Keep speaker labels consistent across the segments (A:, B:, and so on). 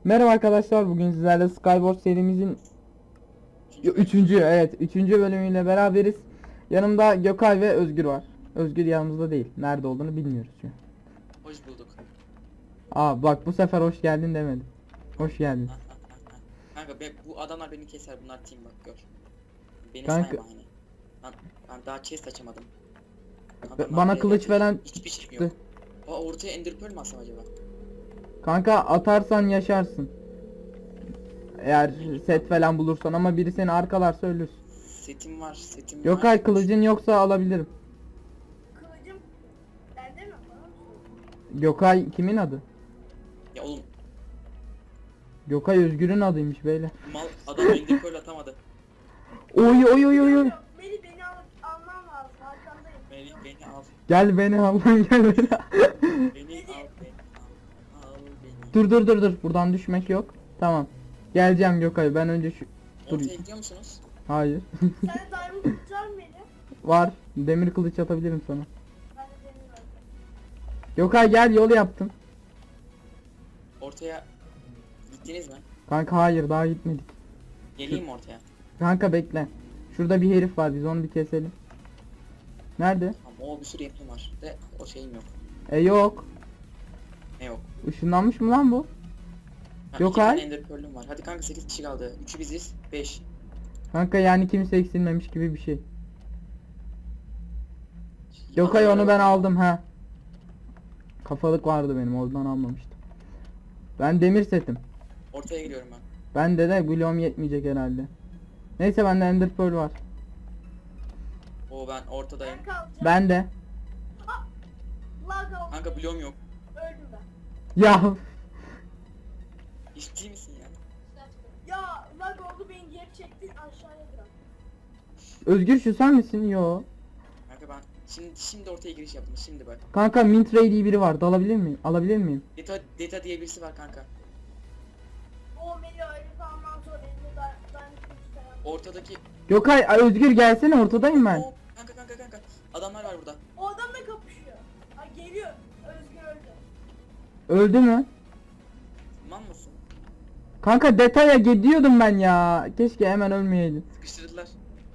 A: Merhaba arkadaşlar, bugün sizlerle Skyward serimizin 3. bölümüyle beraberiz. Yanımda Gökay ve Özgür var. Özgür yanımızda değil. Nerede olduğunu bilmiyoruz şu an.
B: Hoş bulduk.
A: Bak bu sefer hoş geldin demedim. Hoş geldin.
B: Kanka bu adamlar beni keser, bunlar team bak gör. Beni
A: Kanka-
B: sayma hani. Ben daha chest açamadım.
A: Bana kılıç falan
B: hiçbir şeyim
A: çıktı.
B: yok. Ortaya ender pearl mi atsam acaba?
A: Kanka atarsan yaşarsın. Eğer set falan bulursan, ama biri seni arkalarsa ölürsün.
B: Setim var.
A: Gökay, kılıcın yoksa alabilirim.
C: Kılıcım bende mi? Bana mı söylüyorsun?
A: Gökay kimin adı?
B: Ya oğlum
A: Gökay Özgür'ün adıymış beyler.
B: mal adam ender pearl atamadı.
A: Oy oy oy oy oy.
C: Beni alman lazım. Arkandayım.
B: Beni al.
A: Gel beni al lan, gel beni.
B: Beni al. Beni al. Al beni.
A: Dur. Buradan düşmek yok. Tamam. Geleceğim Gökay. Ben önce şu... Dur.
B: Ortaya gidiyor musunuz?
A: Hayır.
C: Sen diamond tutar mı beni?
A: Var. Demir kılıç atabilirim sana.
C: Ben de demir verdim.
A: Gökay gel, yol yaptım.
B: Ortaya gittiniz mi?
A: Kanka hayır, daha gitmedik.
B: Geleyim mi ortaya?
A: Kanka bekle. Şurada bir herif var, biz onu bir keselim. Nerede?
B: Tamam, bir sürü yapım var. De o şeyim yok.
A: Yok.
B: Ne yok?
A: Işınlanmış mı lan bu?
B: Ha,
A: Yok
B: 2 tane
A: ay.
B: ender pearl'üm var. Hadi kanka 8 kişi kaldı. 3'ü biziz. 5.
A: Kanka yani kimse eksilmemiş gibi bir şey. Gökay onu ben aldım ha. Kafalık vardı benim, oradan almamıştım. Ben demir setim.
B: Ortaya gidiyorum ben.
A: Bende de bloğum yetmeyecek herhalde. Neyse, bende ender pearl var.
B: Ben ortadayım.
C: Ben kalacağım.
A: Ben de.
C: Lag oldu.
B: Kanka bloğum yok.
C: Öldüm ben.
A: Ya
B: Ciddi misin ya?
C: Ya lag oldu, beni geri çektin aşağıya bırak.
A: Özgür, şu sen misin? Yo.
B: Kanka ben şimdi ortaya giriş yaptım. Şimdi bak.
A: Kanka Mint Ray diye biri var. Dalabilir miyim? Alabilir miyim?
B: Deta diye birisi var kanka.
C: O beni öyle kalmam zor. Elinde diamond kılıç falan.
B: Ortadaki
A: Gökay, Özgür gelsene, ortadayım ben.
B: kanka. Adamlar var burada.
C: O adamla kapışıyor. Ay geliyor. Özgür öldü.
A: Öldü mü?
B: Man mısın?
A: Kanka detaya gidiyordum ben ya. Keşke hemen ölmeyeydin.
B: Sıkıştırdılar.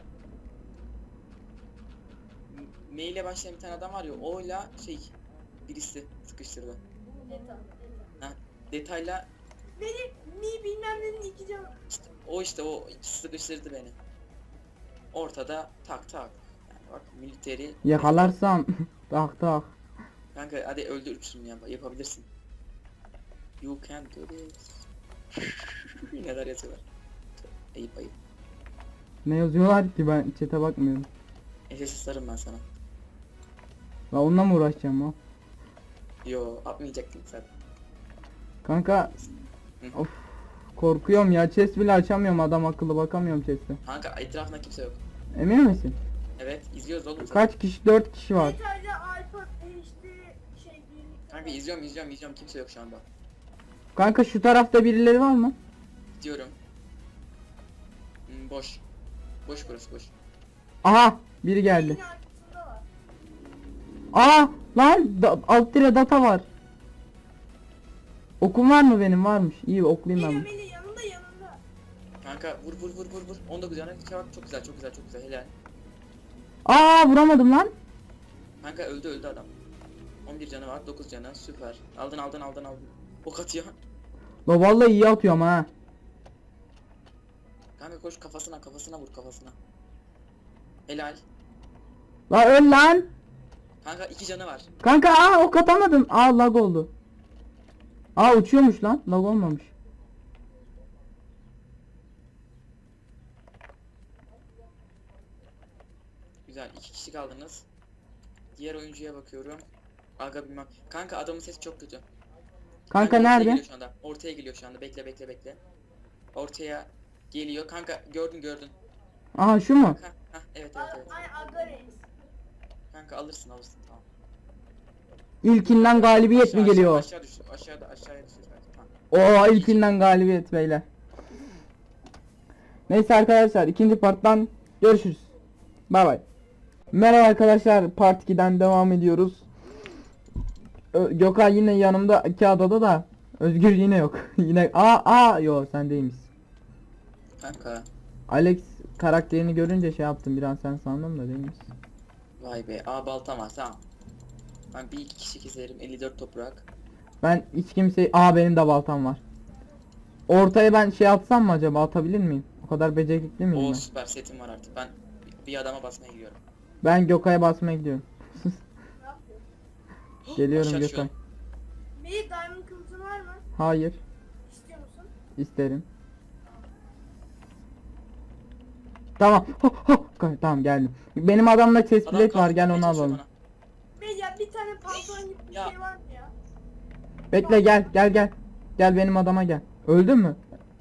B: M ile başlayan bir tane adam var ya, oyla birisi sıkıştırdı.
C: Deta.
B: Ha, detayla
C: Beni mi bilmem nenin iki canı.
B: işte o sıkıştırdı beni. Ortada tak. Yani bak militeri.
A: Yakalarsam tak.
B: Kanka hadi öldürürsün ya, yapabilirsin. You can do this. Neler yazıyorlar. Ayıp.
A: Ne yazıyorlar ki, ben chat'e bakmıyorum.
B: SS'larım ben sana.
A: Ben onunla mı uğraşacağım o?
B: Yo, atmayacaktın sen.
A: Kanka
B: Hı.
A: of, korkuyorum ya, chest bile açamıyorum, adam akıllı bakamıyorum chest'e.
B: Kanka etrafında kimse yok.
A: Emin misin?
B: Evet, izliyoruz oğlum sen.
A: Kaç kişi? 4 kişi var.
C: Detayla alfa HD birlikte.
B: Kanka izliyorum, kimse yok şu anda.
A: Kanka şu tarafta birileri var mı?
B: Gidiyorum. Boş. Boş burası, boş.
A: Aha, biri geldi.
C: Yine arkasında var.
A: Aa lan, alt tire data var. Okum var mı benim? Varmış. İyi, oklayayım ben.
C: Meli yanında.
B: Kanka vur. 19 canı çabuk, çok güzel helal.
A: Aa, vuramadım lan.
B: Kanka öldü adam. 11 canı var, 9 canı, süper. Aldın. Ok atıyor.
A: La vallahi iyi atıyorum ha.
B: Kanka koş, kafasına vur. Helal.
A: La öl lan.
B: Kanka 2 canı var.
A: Kanka ok atamadım. Lag oldu. Uçuyormuş lan. Lag olmamış.
B: Güzel, 2 kişi kaldınız. Diğer oyuncuya bakıyorum. Aga bilmem. Kanka adamın sesi çok kötü.
A: Kanka
B: ortaya
A: nerede?
B: geliyor şu anda. Ortaya geliyor şu anda. Bekle. Ortaya geliyor. Kanka gördün.
A: Aha, şu mu?
B: Evet.
C: Ay aga reis.
B: Kanka alırsın tamam.
A: İlkinden galibiyet mi geliyor?
B: Aşağı düştü. Aşağıya düştü. Tamam.
A: İlkinden galibiyet beyler. Neyse arkadaşlar, ikinci parttan görüşürüz. Bay bay. Merhaba arkadaşlar, part 2'den devam ediyoruz. Gökay yine yanımda, iki adada da. Özgür yine yok. Yine yo sen değilmişsin.
B: Kanka.
A: Alex karakterini görünce şey yaptım, bir an sen sandım da değilmişsin.
B: Vay be. Baltam var tamam. Ben bir iki kişi keserim. 54 toprak.
A: Ben hiç kimse benim de baltam var. Ortaya ben şey atsam mı acaba, atabilir miyim? O kadar becerikli miyim
B: O
A: ben?
B: süper setim var artık. Ben bir adama basmaya gidiyorum.
A: Ben Gökay'a basmaya gidiyorum.
C: Ne yapıyorsun?
A: Geliyorum
B: Aşağı
A: Gökay.
B: düşüyorum.
C: Melih diamond kılıcın var mı?
A: Hayır,
C: İstiyor musun?
A: isterim. Tamam. Tamam geldim. Benim adamda chest
B: Adam
A: plate var,
B: kastırmaya
A: gel onu
B: çalışıyor
A: alalım.
B: bana.
C: Melih ya bir tane pantolon gibi bir
B: Ya.
C: şey var mı ya?
A: Bekle, gel. Gel benim adama gel. Öldün mü?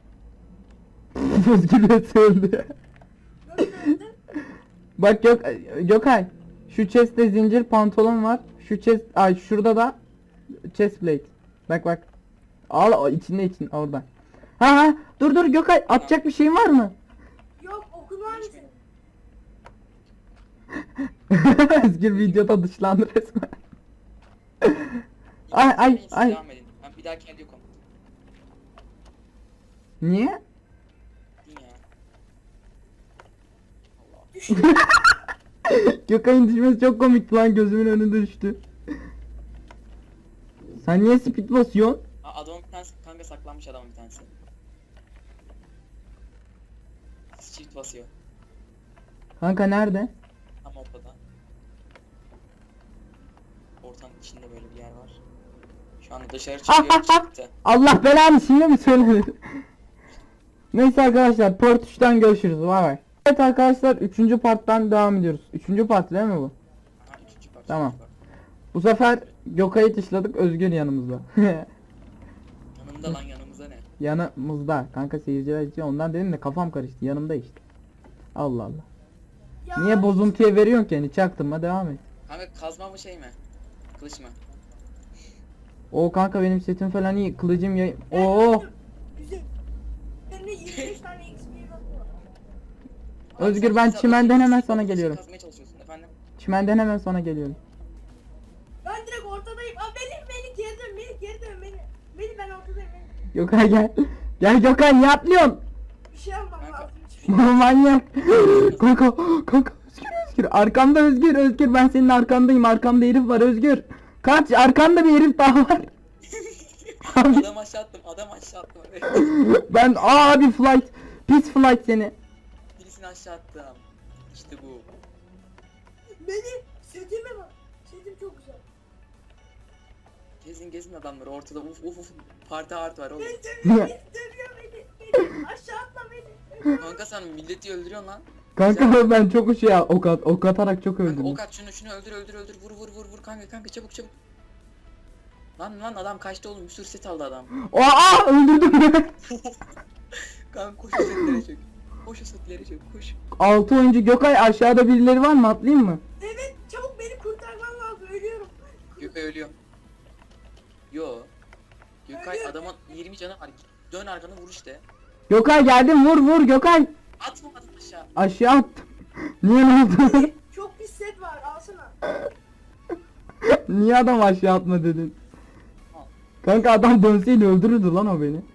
A: Özgür nasıl öldü?
C: Nasıl öldün?
A: Bak Gökay. Şu chest'te zincir pantolon var. Şu chest şurada da chest plate. Bak. Al içinde orada. Ha dur Gökay, atacak bir şeyin var mı?
C: Yok okul var mı senin?
A: Özgür videoda dışlandı resmen.
B: İkiniz
A: Ay.
B: deneyin, siz devam edin. Ben bir dahaki elde yokum.
A: Niye?
B: Din ya. Allah.
C: Düştü.
A: Gökay'ın düşmesi çok komikti lan, gözümün önünde düştü. Sen niye speed basıyorsun?
B: Adamın bir tanesi kanka saklanmış adamın bir tanesi. Shift basıyor.
A: Kanka nerede?
B: Tam ortada. Ortanın içinde böyle bir yer var. Şu anda dışarı çıkıyor çıktı.
A: Allah belanı, şimdi mi söyledin? Neyse arkadaşlar, part 3'ten görüşürüz. Bay bay. Evet arkadaşlar, 3. parttan devam ediyoruz. 3. part değil mi bu?
B: Ha, üçüncü parça,
A: Tamam.
B: üçüncü parça.
A: Bu sefer Gökay'ı dışladık, Özgür yanımızda.
B: Yanımda lan yanımıza ne?
A: Yanımızda. Kanka seyirciler için ondan dedim de kafam karıştı. Yanımda işte. Allah Allah.
C: Ya,
A: Niye bozuntuya veriyorsun ki? Yani çaktırma, devam et.
B: Kanka kazma mı şey mi? Kılıç mı?
A: O kanka benim setim falan iyi. Kılıcım yay...
C: ben
A: Oo.
C: öldüm. Güzel. Üzerine 25 tane XP bakıyor.
A: Özgür,
B: Abi
A: ben
B: sen
A: çimenden
B: zaten
A: hemen
B: kılıç
A: sana geliyorum.
B: Kazmaya çalışıyorsun efendim.
A: Çimenden hemen sana geliyorum.
C: Ben direkt ortadayım. Melih geri dön. Melih ben ortadayım. Melih.
A: Gökay gel. Gel Gökay, niye atlıyorsun?
C: Bir şey yapmam
B: Kanka.
C: lazım. Hiçbir şey.
A: Manyak. Kanka Özgür. Arkamda Özgür ben senin arkandayım. Arkamda herif var Özgür. Kaç, arkanda bir herif daha var. Abi
B: Adam aşağı attım. Evet.
A: ben abi flight. Pis flight seni.
B: Birisini aşağı attım. İşte bu.
C: Melih setime bak. Setim çok güzel.
B: Gezin adamları ortada uf parti art var oğlum.
C: Beni dövüyor Melih. Melih aşağı atla Melih.
B: Kanka sen milleti öldürüyorsun lan.
A: Kanka ben çok ok atarak çok
B: Kanka
A: öldüm.
B: ok at şunu öldür vur kanka çabuk. Lan adam kaçtı oğlum, bir sürü set aldı adam.
A: Öldürdüm.
B: Kanka koş o setlere çök. Koş o setlere çök koş.
A: 6 oyuncu Gökay, aşağıda birileri var mı, atlayayım mı?
C: Evet çabuk beni kurtarman lazım. Ölüyorum.
B: Gökay ölüyor. Yo. Gökay
C: Ölüyor.
B: adamın 20 canı var. Dön arkanı vur işte.
A: Gökay geldim, vur Gökay.
B: Atma adam aşağı.
A: Aşağı attım. Niye, ne oldu?
C: Çok pis set var alsana.
A: Niye adam aşağı atma dedin?
B: Al.
A: Kanka adam dönseydi öldürürdü lan o beni.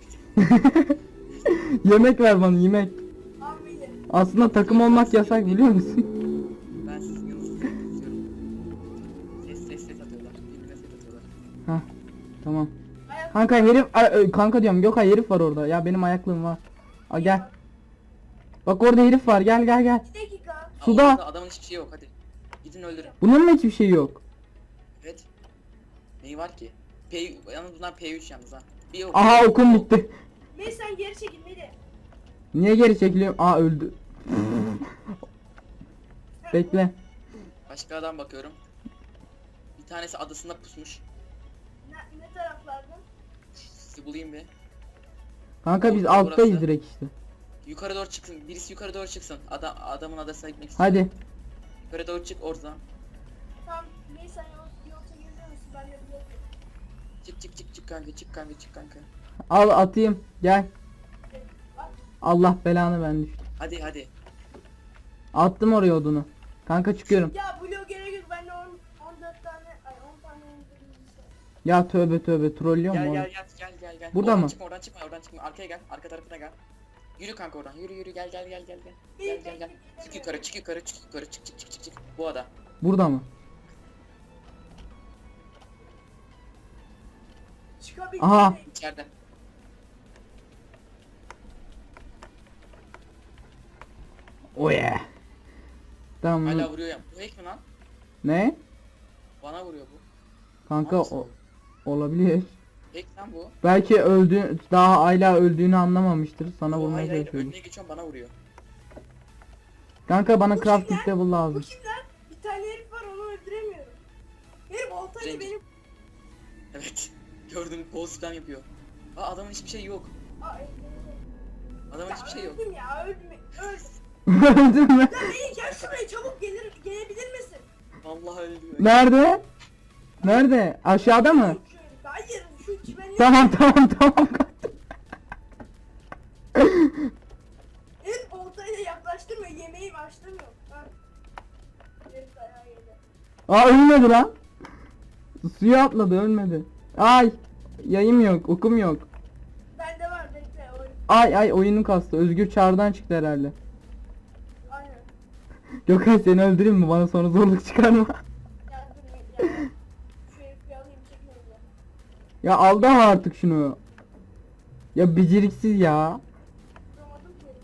A: Yemek ver bana, yemek.
C: Al Melih.
A: Aslında takım olmak yasak, biliyor musun?
B: Ben sizin yanınızda izliyorum. Ses atıyorlar. Birbirine ses atıyorlar.
A: Hah, tamam.
C: Ayak
A: Kanka herif, kanka diyorum Gökay, herif var orada. Ya benim ayaklığım var. Gel. Bak orada herif var, gel.
C: bir dakika.
A: Suda.
B: Orada adamın hiçbir şey yok hadi. Gidin öldürün.
A: Bunun mu hiçbir şey yok?
B: Evet. Neyi var ki? Yalnız bunlar P3 yalnız ha. Bir ok.
A: Aha, okum bitti.
C: Melih sen geri çekil Melih.
A: Niye geri çekiliyorum? Öldü. Bekle.
B: Başka adam bakıyorum. Bir tanesi adasında pusmuş.
C: Ne taraflarda?
B: Sizi bulayım bir.
A: Kanka biz
B: Orta
A: alttayız
B: burası.
A: direkt işte.
B: Yukarı doğru çıksın. Birisi yukarı doğru çıksın. Adamın adasına gitmek istiyor.
A: Hadi.
B: Yukarı doğru çık oradan.
C: Tamam Melih sen yolta geziyor musun? Ben de biliyorum.
B: Çık kanka.
A: Al atayım. Gel.
C: Bak
A: Allah belanı, ben düştüm.
B: Hadi.
A: Attım oraya odunu. Kanka çıkıyorum.
C: ya blue gerek yok. Bende 14 tane ay 10 tane
A: Ya tövbe tövbe trollüyor mu
B: Gel
A: oğlum?
B: gel.
A: Burada
B: Oradan
A: mı?
B: Çıkma, oradan çıkma. Arkaya gel. Arka tarafına gel. Yürü kanka oradan. Yürü gel.
C: Melih
B: Gel. Çık yukarı. Çık. Bu ada.
A: Burada mı?
C: çıkabildim.
A: Aha.
B: İçeride.
A: Oh yeah. Tamam.
B: Hala vuruyor ya. Bu hack mi lan?
A: Ne?
B: Bana vuruyor bu.
A: Kanka
B: Nasıl?
A: olabilir.
B: Hack lan bu.
A: Belki daha hala öldüğünü anlamamıştır. Sana
B: Bu
A: vurmaya
B: hayır
A: çalışıyorum.
B: önüne geçiyorum bana vuruyor.
A: Kanka bana
C: Bu
A: crafting
C: kimler?
A: level
C: Bu
A: lazım.
C: kim lan? Bir tane herif var onu öldüremiyorum. Herif oltayla
B: Zenci.
C: benim...
B: Evet. Gördüm kol spam yapıyor. Aa adamın hiçbir şey yok.
C: Ay,
B: Adamın hiçbir şey yok.
C: öldüm ya öldüm.
A: Öldün mü?
C: Ya Melih gel şuraya çabuk gelebilir misin?
B: Vallahi öldü.
A: Nerede? Nerede? Aşağıda mı?
C: Hayır şu çimenli...
A: Tamam.
C: Herif oltayla yaklaştırmıyor yemeği başlamıyor. Ha. Herif dayağı yedi.
A: Aa ölmedi lan. Suya atladı ölmedi. Ay. Yayım yok, okum yok.
C: Bende var bekle oyun.
A: Ay oyunun kastı. Özgür çağrıdan çıktı herhalde.
C: Aynen.
A: Gökhan seni öldüreyim mi? Bana sonra zorluk çıkarma.
C: Ya dur ya. Şu herifi bir alayım çekmeyin ya.
A: Ya aldı ama artık şunu. Ya beceriksiz ya.
C: Duramadım ki herifi.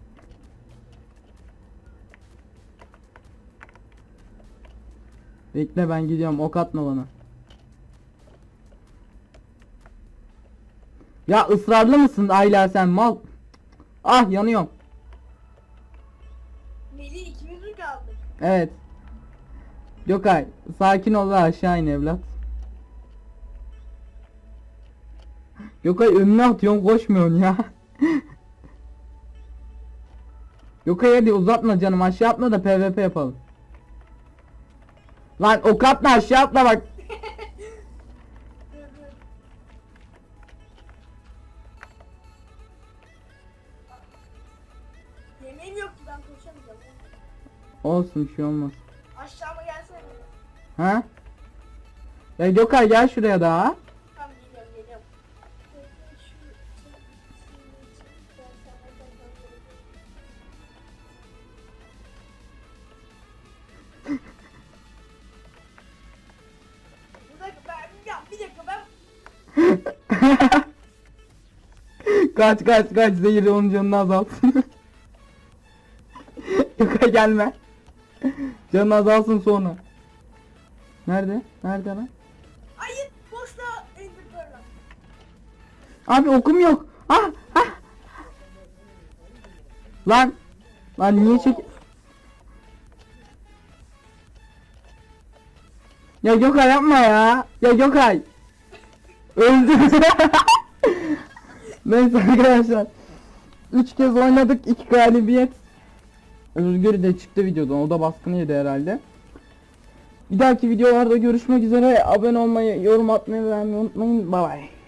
A: Bekle ben gidiyorum, ok atma bana. Ya ısrarlı mısın Ayla sen mal? Ah yanıyorum.
C: Melih ikimiz mi kaldık?
A: Evet. Gökay sakin ol ve aşağı in evlat. Gökay önüne atıyorsun koşmuyorsun ya. Gökay hadi uzatma canım, aşağı atma da PvP yapalım. Lan ok atma, aşağı atma bak.
C: Dur dur. Yemeğim yok ki ben koşamayacağım.
A: Olsun bir şey olmaz.
C: Aşağıma gelsene.
A: Ha? Ya Gökay gel şuraya daha.
C: Tamam geliyorum. Bir dakika ben
A: Kaç zehir onun canını azaltsın. Gökay gelme. Canın azalsın sonra. Nerede? Nerede lan?
C: hayır boşluğa Ender Pearl'ım.
A: Abi okum yok. Ah. Lan niye çek... Ya Gökay yapma ya. Ya Gökay. Öldü. Neyse arkadaşlar. 3 kez oynadık, 2 galibiyet. Özgür de çıktı videodan. O da baskını yedi herhalde. Bir dahaki videolarda görüşmek üzere. Abone olmayı, yorum atmayı ve beğenmeyi unutmayın. Bye bye.